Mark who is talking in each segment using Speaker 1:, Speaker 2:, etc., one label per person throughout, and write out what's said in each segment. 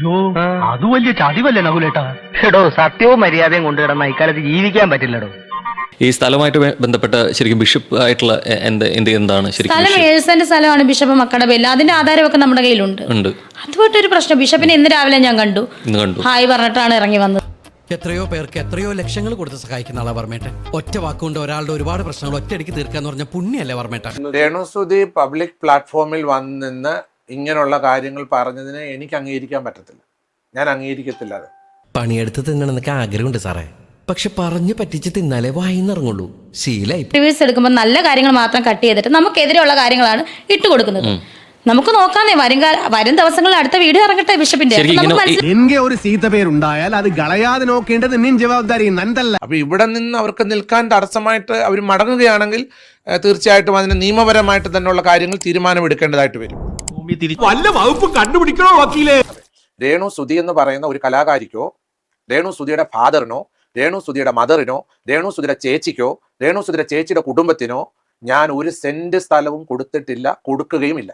Speaker 1: അയ്യോ അത് വലിയ ചതിവല്ലേ നകുലേട്ടാ.
Speaker 2: എടോ സത്യവും മര്യാദയും കൊണ്ടുകിടന്ന ഇക്കാലത്ത് ജീവിക്കാൻ പറ്റില്ലടോ.
Speaker 3: ഈ സ്ഥലമായിട്ട് ബന്ധപ്പെട്ട ശരിക്കും ബിഷപ്പ് ആയിട്ടുള്ള എന്താണ് ശരിക്കും?
Speaker 4: സ്ഥലം 7 സെന്റ് സ്ഥലമാണ് ബിഷപ്പ് മക്കളുടെ പേരിൽ. അതിന്റെ ആധാരമൊക്കെ നമ്മുടെ കയ്യിലുണ്ട്. അതുമായിട്ടൊരു പ്രശ്നം. ബിഷപ്പിനെ ഇന്ന് രാവിലെ ഞാൻ കണ്ടു. ഹായ് പറഞ്ഞിട്ടാണ് ഇറങ്ങി വന്നത്.
Speaker 5: എത്രയോ പേർക്ക് എത്രയോ ലക്ഷങ്ങൾ കൊടുത്ത് സഹായിക്കുന്ന ആളാ വർമ്മേട്ടൻ. ഒറ്റ വാക്കുകൊണ്ട് ഒരാളുടെ ഒരുപാട് പ്രശ്നങ്ങൾ ഒറ്റയടിക്ക് തീർക്കാന്ന് പറഞ്ഞ പുണ്യല്ലേ വർമ്മേട്ടൻ.
Speaker 6: രേണുസുതി പബ്ലിക് പ്ലാറ്റ്ഫോമിൽ വന്നിന്ന് ഇങ്ങനെയുള്ള കാര്യങ്ങൾ പറഞ്ഞതിനെ എനിക്ക് അംഗീകരിക്കാൻ പറ്റത്തില്ല. ഞാൻ അംഗീകരിക്കത്തില്ല. അത്
Speaker 5: പണിയെടുത്ത് തിന്നണമെന്നൊക്കെ ആഗ്രഹമുണ്ട് സാറേ, പക്ഷെ പറഞ്ഞു പറ്റിച്ച് തിന്നാലേ വായിന്നിറങ്ങുള്ളൂ. ശീലായി.
Speaker 4: റിവ്യൂസ് എടുക്കുമ്പോൾ നല്ല കാര്യങ്ങൾ മാത്രം കട്ട് ചെയ്തിട്ട് നമുക്കെതിരെയുള്ള കാര്യങ്ങളാണ് ഇട്ടുകൊടുക്കുന്നത്. നമുക്ക് നോക്കാന്നേ, വരും ദിവസങ്ങളിൽ അടുത്ത വീഡിയോ ഇറങ്ങട്ടെ ബിഷപ്പിന്റെ.
Speaker 7: എനിക്ക് ഒരു സീത്ത പേരുണ്ടായാൽ അത് കളയാതെ നോക്കേണ്ടത് നിൻ ജവാബ്ദാരി നന്നല്ല.
Speaker 6: അപ്പൊ ഇവിടെ നിന്ന് അവർക്ക് നിൽക്കാൻ തടസ്സമായിട്ട് അവർ മടങ്ങുകയാണെങ്കിൽ തീർച്ചയായിട്ടും അതിന് നിയമപരമായിട്ട് തന്നെയുള്ള കാര്യങ്ങൾ തീരുമാനമെടുക്കേണ്ടതായിട്ട് വരും.
Speaker 7: വല്ല വകുപ്പ് കണ്ടുപിടിക്കണോ വക്കീലേ?
Speaker 6: രേണുസുതി എന്ന് പറയുന്ന ഒരു കലാകാരിക്കോ, രേണുസുതിയുടെ ഫാദറിനോ, രേണുസുതിയുടെ മദറിനോ, രേണുസുതിയുടെ ചേച്ചിക്കോ, രേണുസുതിയുടെ ചേച്ചിയുടെ കുടുംബത്തിനോ ഞാൻ ഒരു സെന്റ് സ്ഥലവും കൊടുത്തിട്ടില്ല, കൊടുക്കുകയുമില്ല.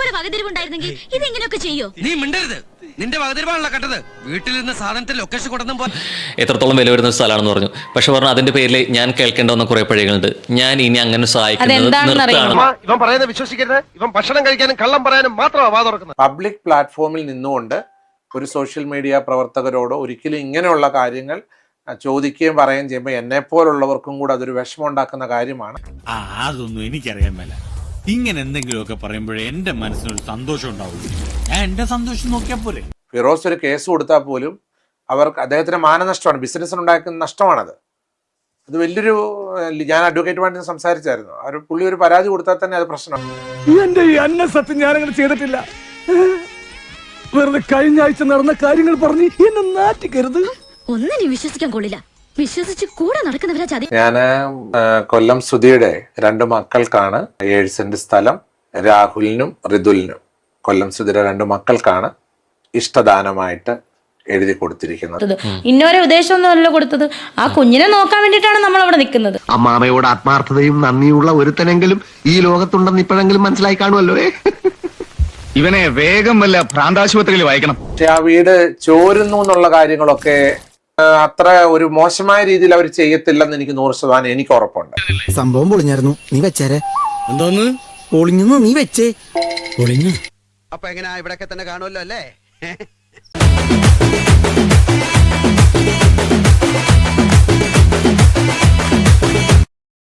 Speaker 3: എത്രത്തോളം വില വരുന്ന സ്ഥലമാണെന്ന് പറഞ്ഞു. പക്ഷെ പറഞ്ഞു അതിന്റെ പേരിൽ ഞാൻ കേൾക്കേണ്ട കുറെ പഴയങ്ങളുണ്ട്. ഞാൻ ഇനി അങ്ങനെ
Speaker 6: പബ്ലിക് പ്ലാറ്റ്ഫോമിൽ നിന്നുകൊണ്ട് ഒരു സോഷ്യൽ മീഡിയ പ്രവർത്തകരോട് ഒരിക്കലും ഇങ്ങനെയുള്ള കാര്യങ്ങൾ ചോദിക്കുകയും പറയുകയും ചെയ്യുമ്പോൾ എന്നെ പോലുള്ളവർക്കും കൂടെ അതൊരു വിഷമം ഉണ്ടാക്കുന്ന കാര്യമാണ്.
Speaker 8: അതൊന്നും എനിക്കറിയാൻ മേല. ഇങ്ങനെ എന്തെങ്കിലുമൊക്കെ പറയുമ്പോഴേ എന്റെ മനസ്സിനൊരു സന്തോഷം ഉണ്ടാവും. ഞാൻ എന്റെ സന്തോഷം നോക്കിയാൽ പോരെ.
Speaker 6: ഫിറോസ് ഒരു കേസ് കൊടുത്താൽ പോലും അവർക്ക് അദ്ദേഹത്തിന് മാനനഷ്ടമാണ്, ബിസിനസ്സിനുണ്ടാക്കുന്ന നഷ്ടമാണത്. അത് വലിയൊരു, ഞാൻ അഡ്വക്കേറ്റുമായിട്ട് സംസാരിച്ചായിരുന്നു. പുള്ളി ഒരു പരാതി കൊടുത്താൽ തന്നെ അത് പ്രശ്നമാണ്.
Speaker 7: എന്റെ ഈ അന്ന സത്യം ഞാനങ്ങനെ ചെയ്തിട്ടില്ല. വെറുതെ കഴിഞ്ഞ ആഴ്ച നടന്ന കാര്യങ്ങൾ പറഞ്ഞ് എന്നെ നാറ്റിക്കരുത്.
Speaker 9: ഒന്നിനെ വിശ്വസിക്കാൻ കൊള്ളില്ല. വിശ്വസിച്ച് കൂടെ നടക്കുന്നവരാ ചതി.
Speaker 6: ഞാന് കൊല്ലം സുധിയുടെ 2 മക്കൾക്കാണ് 7 സെന്റ് സ്ഥലം, രാഹുലിനും ഋതുലിനും. കൊല്ലം സുധിയുടെ 2 മക്കൾക്കാണ് ഇഷ്ടദാനമായിട്ട് എഴുതി കൊടുത്തിരിക്കുന്നത്.
Speaker 4: ഇന്നൊരു ഉദ്ദേശമൊന്നുമല്ല കൊടുത്തത്. ആ കുഞ്ഞിനെ നോക്കാൻ വേണ്ടിയിട്ടാണ് നമ്മൾ അവിടെ നിൽക്കുന്നത്.
Speaker 10: അമ്മാമയോട് ആത്മാർത്ഥതയും നന്ദിയുള്ള ഒരുത്തനെങ്കിലും ഈ ലോകത്തുണ്ടെന്ന് ഇപ്പോഴെങ്കിലും മനസ്സിലായി കാണുമല്ലോ.
Speaker 1: ഇവനെ വേഗം വല്ല ഭ്രാന്താശുപത്രിയിൽ വായിക്കണം.
Speaker 6: പക്ഷെ ആ വീട് ചോരുന്നു എന്നുള്ള കാര്യങ്ങളൊക്കെ അത്ര ഒരു മോശമായ രീതിയിൽ അവർ ചെയ്യത്തില്ലെന്ന് എനിക്ക് 100% എനിക്ക് ഉറപ്പുണ്ട്.
Speaker 5: സംഭവം പൊളിഞ്ഞായിരുന്നു, നീ വെച്ചേരെ. എന്തോന്ന് പൊളിഞ്ഞു? നീ വെച്ചേ പൊളിഞ്ഞു.
Speaker 10: അപ്പൊ എങ്ങനെയാ ഇവിടെയൊക്കെ തന്നെ കാണുമല്ലോ അല്ലേ?